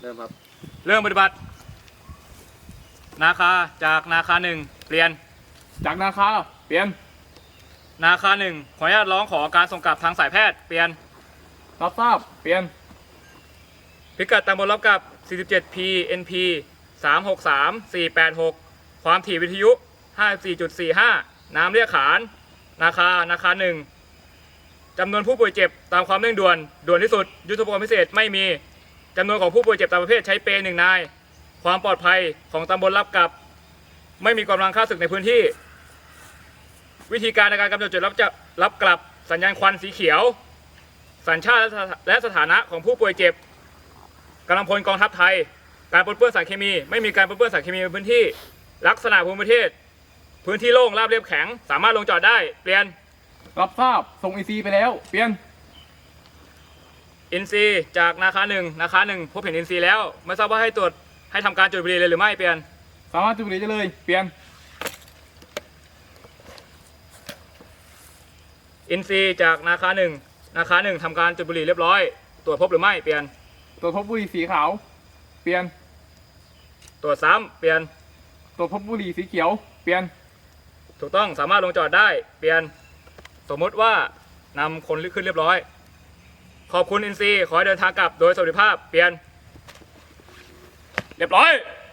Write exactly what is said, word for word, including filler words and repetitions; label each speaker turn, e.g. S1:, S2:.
S1: เริ่มครับ
S2: เริ่มปฏิบัติ นาคาจากนาคาหนึ่งเปลี่ยน
S3: จากนาคาเปลี่ยน
S2: นาคาหนึ่งขออนุญาตร้องขอการส่งกลับทางสายแพทย์เปลี่ยน
S3: รับทราบเปลี่ยน
S2: พิกัดตำบลรับกับ สี่สิบเจ็ด พี เอ็น พี สาม หก สาม สี่ แปด หก ความถี่วิทยุ ห้าสิบสี่จุดสี่ห้า น้ำเรียกขาน นาคา นาคาหนึ่งจำนวนผู้ป่วยเจ็บตามความเร่งด่วน ด่วนที่สุด ยุทธภพพิเศษไม่มีจำนวนของผู้ป่วยเจ็บตามประเภทใช้เปรย์หนึ่งนาย ความปลอดภัยของตำบลรับกับ ไม่มีกำลังฆ่าศึกในพื้นที่ วิธีการในการกำหนดจุดรับจะรับกลับสัญญาณควันสีเขียว สัญชาติและสถานะของผู้ป่วยเจ็บกำลังพลกองทัพไทย การปนเปื้อนสารเคมีไม่มีการปนเปื้อนสารเคมีในพื้นที่ลักษณะภูมิประเทศพื้นที่โล่งราบเรียบแข็งสามารถลงจอดได้เปลี่ยน
S3: รับทราบส่งอีซีไปแล้วเปลี่ยน
S2: อินซีจากนาคาหนึ่งนาคาหนึ่งพบเห็นอินซีแล้วไม่ทราบว่าให้ตรวจให้ทำการจุดบุหรี่เลยหรือไม่เปลี่ยน
S3: สามารถจุดบุหรี่ได้เลยเปลี่ยน
S2: อินซีจากนาคาหนึ่งนาคาหนึ่งทำการจุดบุหรี่เรียบร้อยตรวจพบหรือไม่เปลี่ยน
S3: ตรวจพบบุหรี่สีขาวเปลี่ยน
S2: ตรวจซ้ำเปลี่ยน
S3: ตรวจพบบุหรี่สีเขียวเปลี่ยน
S2: ถูกต้องสามารถลงจอดได้เปลี่ยนสมมุติว่านำคนขึ้นเรียบร้อยขอบคุณอินซีขอให้เดินทางกลับโดยสวัสดิภาพเปลี่ยนเรียบร้อย